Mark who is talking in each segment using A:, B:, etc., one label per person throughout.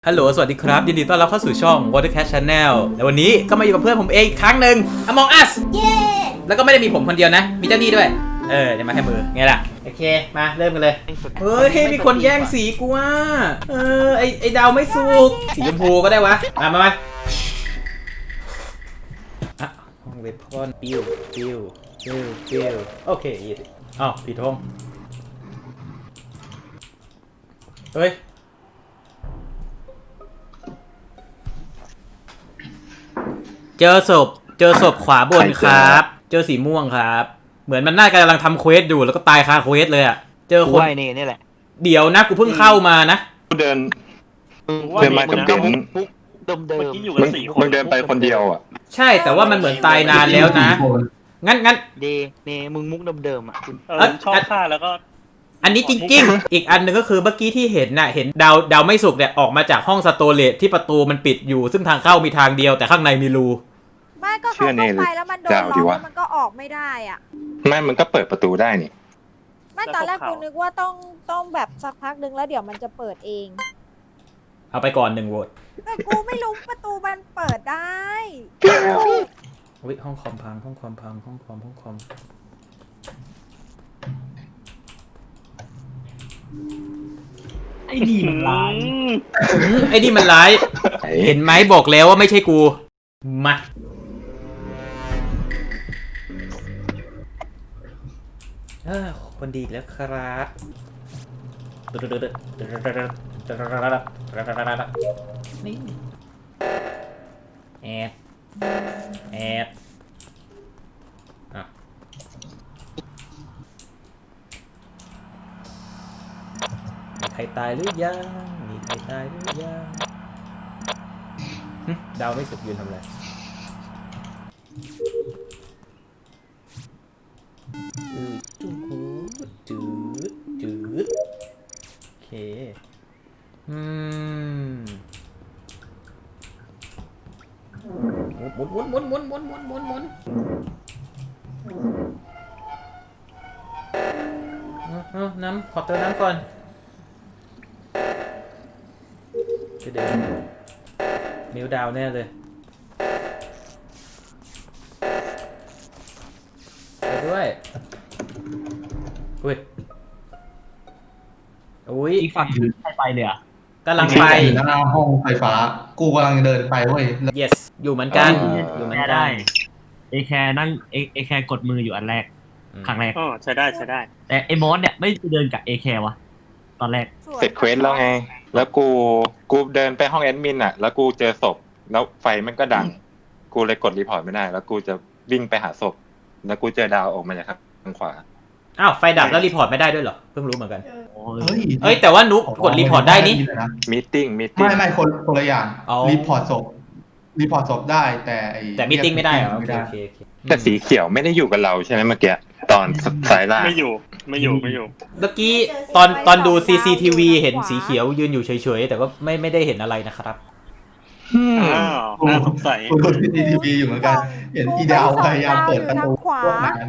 A: ฮัลโหลสวัสดีครับยินดีต้อนรับเข้าสู่ช่อง Watercat Channel และวันนี้ก็มาอยู่กับเพื่อนผมเองอีกครั้งหนึ่ง Among Us
B: เย้
A: แล้วก็ไม่ได้มีผมคนเดียวนะ มีเจ้านี่ด้วยจะมาให้มือไงล่ะโอเคมาเริ่มกันเลยเฮ้ยมีคนแย่งสีกูอ่ะไอดาวไม่สุกสีชมพูก็ได้วะมาอ่ะห้องเวทพอนปิ้วโอเคอีกอ้าวผิดห้องเฮ้ยเจอศพขวาบนครับเจอสีม่วงครับเหมือนมันน่าจะกำลังทำเควสอยู่แล้วก็ตายคาเควสเลยอ่ะเจอคนนี่แหละเดี๋ยวนะกูเพิ่งเข้ามานะ
C: เดินมากับเบนมึงเดินไปคนเดียวอ่ะ
A: ใช่แต่ว่ามันเหมือนตายนานแล้วนะงั้น
D: นี่มึงมุกเดิมๆอ่ะ
E: ชอบฆ่าแล้วก็
A: อันนี้จริงๆอีกอันหนึ่งก็คือเมื่อกี้ที่เห็นน่ะเห็นดาวไม่สุกเนี่ยออกมาจากห้องสโตเรจที่ประตูมันปิดอยู่ซึ่งทางเข้ามีทางเดียวแต่ข้างในมีรู
B: ไม่ก็เข้าไปแล้วมันโดนล็อกแล้วมันก็ออกไม่ได้อ่ะ
C: ไม่มันก็เปิดประตูได้นี่
B: ไม่ตอนแรกกูนึกว่าต้องแบบสักพักนึงแล้วเดี๋ยวมันจะเปิดเอง
A: เอาไปก่อน1 โหวต
B: แต่กูไม่รู้ประตูมันเปิดได้
A: วิห้องคอมพังห้องคอม
E: ไอ้นี่มันร้าย
A: เห็นไหมบอกแล้วว่าไม่ใช่กูมาคนดีแล้วครับนี่แอบมีใครตายหรือยังดาวไม่สุกยืนทำอะไรจืดโอเคหมุนน้ำขอเติมน้ำก่อนจะเดินนิ้วดาวแน่เลยไปด้วยอุ้ย
E: อีกฝั่งถือใครไปเลยอ่ะ
A: กำลังไป
F: หน้าห้องไฟฟ้ากูกำลังเดินไปเว้ย
A: yes อยู่เหมือนกัน
E: ได้เอแคร์นั่งเอแคร์กดมืออยู่อันแรกครั้งแรก
D: ใช้ได้
E: แต่ไอ้มอสเนี่ยไม่เดินกับเอแคร์วะตอนแรก
C: เสร็จเควสแล้วไงแล้วกูเดินไปห้องแอดมินอ่ะแล้วกูเจอศพแล้วไฟมันก็ดังกูเลยกดรีพอร์ตไม่ได้แล้วกูจะวิ่งไปหาศพแล้วกูเจอดาวออกมาจากทางขวา
A: อ้าวไฟดับแล้วรีพอร์ตไม่ได้ด้วยเหรอเพิ่งรู้เหมือนกัน
F: เฮ้ย
A: แต่ว่านุ๊กกดรีพอร์ตได้นี่
C: มีติ้ง
F: ไม่คนละอย่างรีพอร์ตศพได้
A: แต่มีติ้งไม่ได้เหรอโอเค
C: แต่สีเขียวไม่ได้อยู่กับเราใช่ไหมเมื่อกี้ตอนสายล่าง
D: ไม่อยู่เ
A: มื่อกี้ตอนดู CCTV เห็นสีเขียวยืนอยู่เฉยๆแต่ก็ไม่ได้เห็นอะไรนะครับ
D: น่าสงสัย
F: กูดู CCTV อยู่เหมือนกันเห็นอีดาวพยายามเปิดประตูพวกนั้น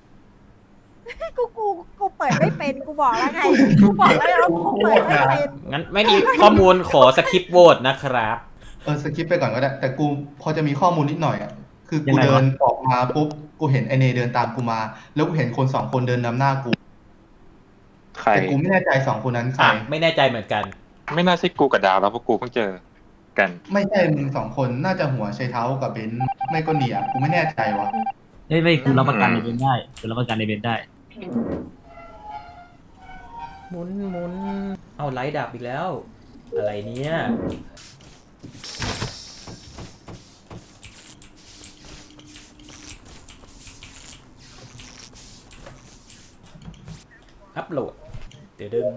B: กูเปิดไม่เป็นกูบอกแล้วไงกูบอกแล้วกูเปิดไม่เป็น
A: งั้นไม่มีข้อมูลขอสคิปโหวตนะครับ
F: สคิปไปก่อนก็ได้แต่กูพอจะมีข้อมูลนิดหน่อยอ่ะคือกูเดินออกมาปุ๊บกูเห็นไอเนเดินตามกูมาแล้วกูเห็นคน2 คนเดินนำหน้ากูแต่กูไม่แน่ใจ2 คนนั้นใคร
A: ไม่แน่ใจเหมือนกัน
C: ไม่น่าใช่กูกับดาวแล้วเพราะกูเพิ่งเจอกัน
F: ไม่ใช่มึง2 คนน่าจะหัวชัยเท้ากับเบนไม่ก็เนียกูไม่แน่ใจวะ
E: ไม่กูรับประกันในเบนได้
A: หมุนเอาไลท์ดับอีกแล้วอะไรเนี่ยอัพโหลดเดี๋ยวดึง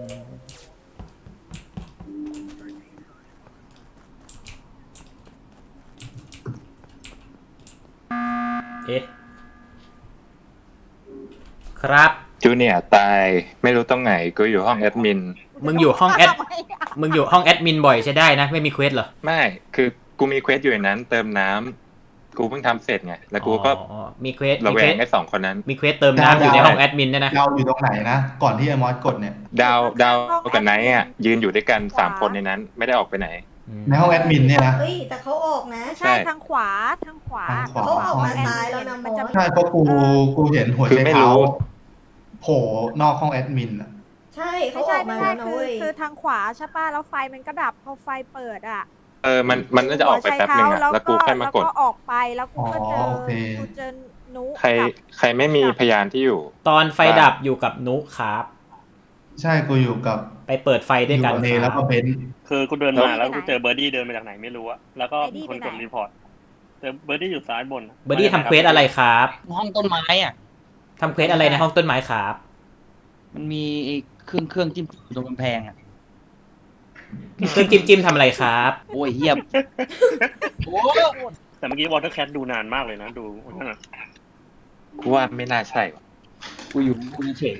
A: ครับ
C: จูเนียร์ตายไม่รู้ตรงไหนกูอยู่ห้องแอดมิน
A: มึงอยู่ห้องแอดมินบ่อยใช่ได้นะไม่มีเควสเหรอ
C: ไม่คือกูมีเควสอยู่ในนั้นเติมน้ำกูเพิ่งทำเสร็จไงแล้วกูก็
A: มีเควส
C: ระแวงไอ้2 คนนั้น
A: มีเควสเติมน้ำอยู่ในห้องแอดมินเนี่ยนะ
F: ดาวอยู่ตรงไหนนะก่อนที่ไอ้มอสกดเนี่ย
C: ดาวกับไนท์อ่ะยืนอยู่ด้วยกัน3 คนในนั้นไม่ได้ออกไปไหน
F: ในห้องแอดมินเนี่ยนะ
G: เฮ้ยแต่เขาออกนะ
B: ใช่ทางขวาทางขวา
F: ทางขวา
G: เขาออกมาซ้ายแล้วนะม
B: มัน
G: อ
B: จะ
G: ส
F: ใช่เพราะกูเห็นหัว
C: คือ
F: ใจ
C: ไม่
F: เท้า
C: รู้
F: โผล่นอกห้องแอดมินอ่ะ
G: ใช่เขา
B: ไม่
G: อ
B: ใช่
G: อกมา
B: ไม่ใช่
G: แล้วนะ
B: คือ
G: เว้ย
B: คือทางขวาใช่ป่ะแล้วไฟมันก็ดับพอไฟเปิดอ่ะ
C: มันน่าจะออกไปแป๊บนึงอะแล้วกูค่อยมากด
B: แล้วก็ออกไปแล้วกูก็เจอ
F: โอเค
B: กูเจอนุ
C: ใครไม่มีพยานที่อยู่
A: ตอนไฟดับอยู่กับนุครับ
F: ใช่กูอยู่กับ
A: ไปเปิดไฟด้วยกัน
F: อยู่บเน
A: ค
F: แล้
A: รั
F: ว
A: บ
F: ก็เบนซ์
D: คือกูเดินมาแล้วกูเจอเบอร์ดี้เดินมาจากไหนไม่รู้อะแล้วก็มีคนกดรีพอร์ตเจอเบอร์ดี้อยู่ซ้ายบน
A: เบอร์ดี้ทำเควสอะไรครับ
H: ห้องต้นไม้อ่ะ
A: ทำเควสอะไรในห้องต้นไม้ครับ
H: มันมีไอ้เครื่องจิ้มอยู่ตรงกำแพงอ่ะ
A: เครื่องจิ้มทำอะไรครับ
H: โอ้ยเฮียบโอ้
D: แต่เมื่อกี้วอเตอร์แคทดูนานมากเลยนะดูนั่นน่ะ
C: กูว่าไม่น่าใช่ว่ะ
H: กูอยู่กูเฉย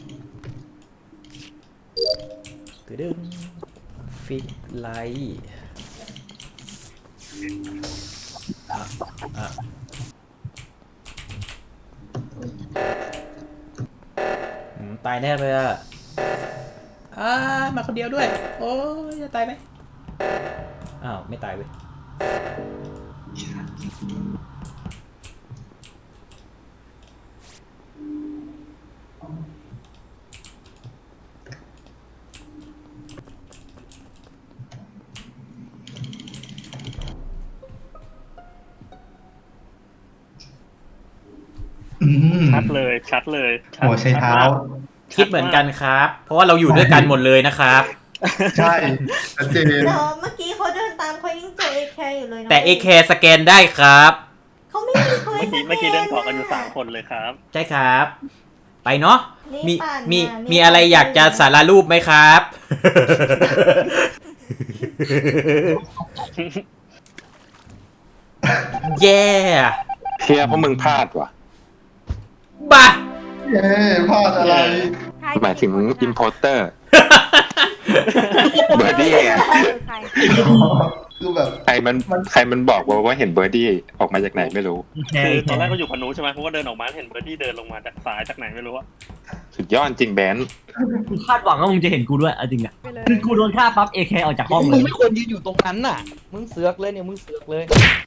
A: ตึ้งฟิกไลท์ตายแน่เลยอ่ะมาคนเดียวด้วย โอ้ยจะตายไหมอ้าว ไม่ตายเว้ย
D: ชัดเลยชัดเลยชัด
F: หัวใช้เท้า
A: คิดเหมือนกันครับ เพราะว่าเราอยู่ด้วยกันหมดเลยนะครับ
F: ใช่ชัดเจน
G: เดี๋ยวเมื่อกี้เขาเดินตามเขายังเจอเอแคอยู่เลยนะ
A: แต่ AK สแกนได้ครับ
G: เขาไม่มีเคย
D: เมื่อกี้เดินเกาะกันอยู่3 คนเลยครับ
A: ใช่ครับ ไปเนาะ
G: นี่
A: มี
G: ปั่น
A: มีอะไรอยากจะสารรูปไหมครับ แย่
C: เทียเพราะมึงพลาดว่ะ
A: บ้า
F: เย้พลาดอะไร
B: ใคร
C: หมายถึงอิมโพเตอร์ เบอร์ดี้อะ
B: ใคร
F: คือแบบ
C: ใครมันบอกว่าเห็นเบอร์ดี้ออกมาจากไหนไม่รู้
E: แค่
D: คือตอนแรกเขาอยู่กับหนูใช่ไหมเขาก็เดินออกมาเห็นเบอร์ดี้เดินลงมาจากซ้ายจากไหนไม่รู้อะ
C: สุดยอดจริงแบน
E: กูคาดหวังว่ามึงจะเห็นกูด้วยเอาจริงอ่ะ
B: ไปเลย
E: คือกูโดนฆ่าปั๊บเอแคออกจากห้องเล
H: มึง
E: ย
H: ไม่ควรยืนอยู่ตรงนั้นน่ะ มึงเสือกเลยเนี่ยมึงเสือกเลย